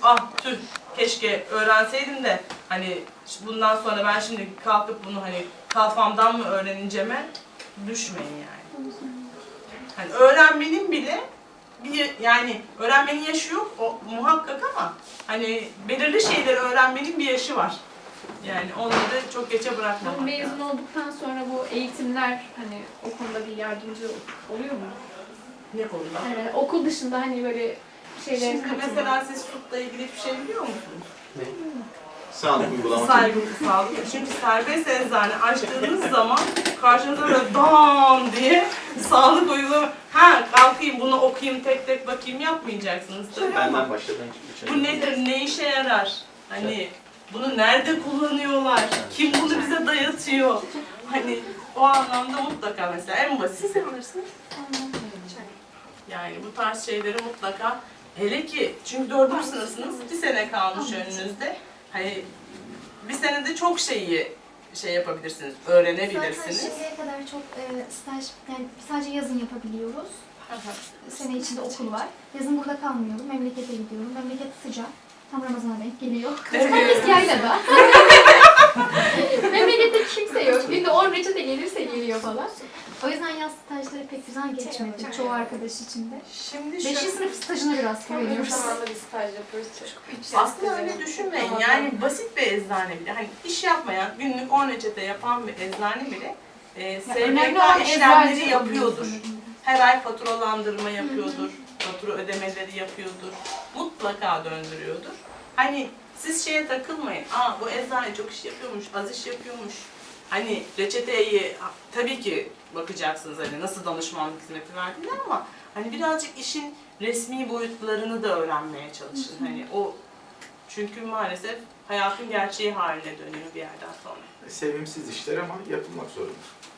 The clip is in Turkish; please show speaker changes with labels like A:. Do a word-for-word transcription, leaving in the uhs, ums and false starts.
A: ah tüh keşke öğrenseydim de hani bundan sonra ben şimdi kalkıp bunu hani kafamdan mı öğreneceğime düşmeyin yani. Hani öğrenmenin bile bir yani öğrenmenin yaşı yok o muhakkak ama hani belirli şeyleri öğrenmenin bir yaşı var. Yani onları da çok geçe bırakmamak lazım.
B: Mezun olduktan sonra bu eğitimler hani o konuda bir yardımcı oluyor mu?
A: Ne konuda?
B: Yani okul dışında hani böyle şeyler
A: Şimdi mesela siz tıpla ilgili bir şey biliyor musunuz?
C: Ne? Sağlık uygulaması.
A: Saygı, sağlık. Çünkü serbest eczane açtığınız zaman karşınıza böyle dam diye sağlık uygulama. Ha kalkayım bunu okuyayım tek tek bakayım yapmayacaksınız tabii ama
C: Benden başladan hiçbir şey
A: bu nedir, ne işe yarar? Hani bunu nerede kullanıyorlar? Kim bunu bize dayatıyor? Hani o anlamda mutlaka mesela en basit. Yani bu tarz şeyleri mutlaka hele ki çünkü dördüncü sınıfsınız bir sene kalmış önünüzde. Hani bir senede çok şeyi şey yapabilirsiniz, öğrenebilirsiniz.
D: Zaten şimdiye kadar çok e, staj, yani sadece yazın yapabiliyoruz. Sene içinde okul var. Yazın burada kalmıyorum, memlekete gidiyorum. Memleket sıcak. Tam Ramazan'a denk geliyor.
A: Evet.
D: Herkes yaylada. Memlekette kimse yok. Günde on reçete gelirse geliyor falan. O yüzden yaz stajları pek güzel geçmedi çoğu arkadaş için de.
A: Şimdi
D: Beşinci
A: şu,
D: sınıf stajına biraz güveniyoruz.
E: Zamanında bir staj yapıyoruz.
A: aslında öyle düşünmeyin. Yani basit bir eczane bile, hani iş yapmayan, günlük on reçete yapan bir eczane bile e, S G
D: önemli
A: K
D: olan
A: işlemleri
D: eczacı
A: yapıyordur.
D: oluyor.
A: Her ay faturalandırma yapıyordur, fatura ödemeleri yapıyordur, mutlaka döndürüyordur. Hani siz şeye takılmayın, aa bu eczane çok iş yapıyormuş, az iş yapıyormuş. Hani reçeteyi tabii ki bakacaksınız hani nasıl danışmanlık hizmeti verdiğini ama hani birazcık işin resmi boyutlarını da öğrenmeye çalışın. Hani o çünkü maalesef hayatın gerçeği haline dönüyor bir yerden sonra.
C: Sevimsiz işler ama yapılmak zorunda.